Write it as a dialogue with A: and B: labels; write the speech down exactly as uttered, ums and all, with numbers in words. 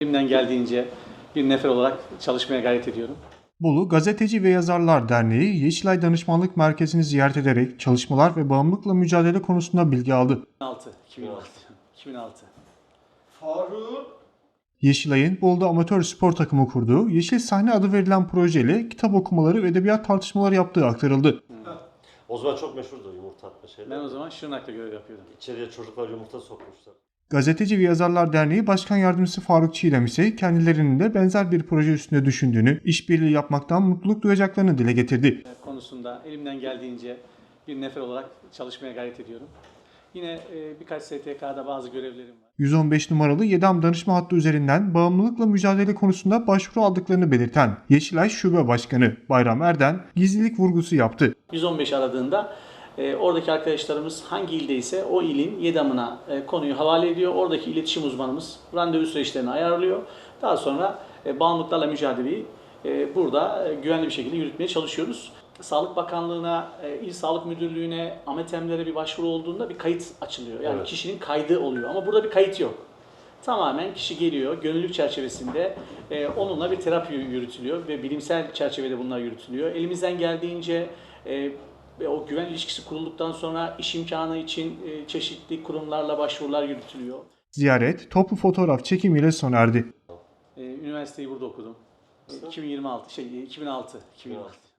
A: Elimden geldiğince bir nefer olarak çalışmaya gayret ediyorum.
B: Bolu Gazeteci ve Yazarlar Derneği, Yeşilay Danışmanlık Merkezi'ni ziyaret ederek çalışmalar ve bağımlılıkla mücadele konusunda bilgi aldı.
A: iki bin altı. iki bin altı.
C: Faruk.
B: Yeşilay'ın Bolu'da amatör spor takımı kurduğu, Yeşil Sahne adı verilen projeyle kitap okumaları ve edebiyat tartışmaları yaptığı aktarıldı.
D: O zaman çok meşhurdu yumurta atma şeyler.
A: Ben o zaman Şırnak'ta görev yapıyordum.
D: İçeriye çocuklar yumurta sokmuşlar.
B: Gazeteci ve Yazarlar Derneği Başkan Yardımcısı Faruk Çiğdem ise kendilerinin de benzer bir proje üstünde düşündüğünü, işbirliği yapmaktan mutluluk duyacaklarını dile getirdi.
A: Konusunda elimden geldiğince bir nefer olarak çalışmaya gayret ediyorum. Yine e, birkaç S T K'da bazı görevlerim var.
B: yüz on beş numaralı YEDAM danışma hattı üzerinden bağımlılıkla mücadele konusunda başvuru aldıklarını belirten Yeşilay Şube Başkanı Bayram Erden gizlilik vurgusu yaptı.
A: yüz on beş aradığında e, oradaki arkadaşlarımız hangi ildeyse o ilin YEDAM'ına e, konuyu havale ediyor. Oradaki iletişim uzmanımız randevu süreçlerini ayarlıyor. Daha sonra e, bağımlılıklarla mücadeleyi e, burada e, güvenli bir şekilde yürütmeye çalışıyoruz. Sağlık Bakanlığı'na, e, İl Sağlık Müdürlüğü'ne, AMETEM'lere bir başvuru olduğunda bir kayıt açılıyor. Yani
D: Evet.
A: kişinin kaydı oluyor ama burada bir kayıt yok. Tamamen kişi geliyor, gönüllülük çerçevesinde e, onunla bir terapi yürütülüyor ve bilimsel çerçevede bunlar yürütülüyor. Elimizden geldiğince e, ve o güven ilişkisi kurulduktan sonra iş imkanı için e, çeşitli kurumlarla başvurular yürütülüyor.
B: Ziyaret toplu fotoğraf çekimiyle sona erdi.
A: E, üniversiteyi burada okudum. E, iki bin yirmi altı, şey iki bin altı. iki bin altı.